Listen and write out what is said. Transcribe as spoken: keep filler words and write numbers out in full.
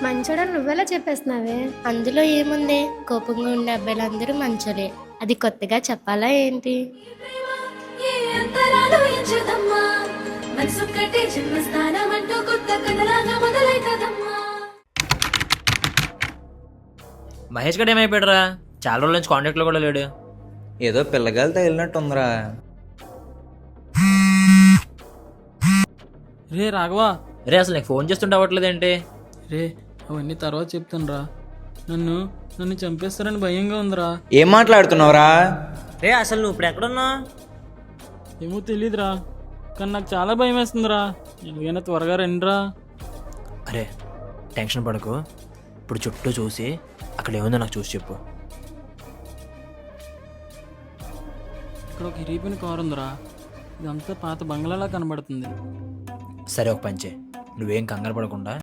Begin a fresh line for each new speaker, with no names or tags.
మంచోడని నువ్వెలా చెప్పేస్తున్నావే?
అందులో ఏముంది, కోపంగా ఉండే అబ్బాయిలందరూ మంచోలే. అది కొత్తగా చెప్పాలా ఏంటి?
మహేష్ గడ్ ఏమైపోయాడురా? చాలా రోజుల నుంచి కాంటాక్ట్లో కూడా లేడు.
ఏదో పిల్లగాలి తగిలినట్టుందిరా.
రే రాఘవా,
రే అసలు నీకు ఫోన్ చేస్తుంటే అవ్వట్లేదేంటి?
రే అవన్నీ తర్వాత చెప్తానురా. నన్ను నన్ను చంపేస్తారని భయంగా ఉందిరా.
ఏం మాట్లాడుతున్నావురా?
రే అసలు నువ్వు ఇప్పుడు ఎక్కడున్నావు?
ఏమో తెలీదురా, కానీ నాకు చాలా భయం వేస్తుందిరా. ఎలాగైనా త్వరగా రండిరా.
అరే టెన్షన్ పడకు, ఇప్పుడు చుట్టూ చూసి అక్కడ ఏముందో నాకు చూసి చెప్పు.
ఇక్కడ ఒక ఇరిగిపోయిన కారు ఉందిరా. ఇదంతా పాత బంగ్లాలా కనబడుతుంది.
సరే ఒక పంచే, నువ్వేం కంగారు పడకుండా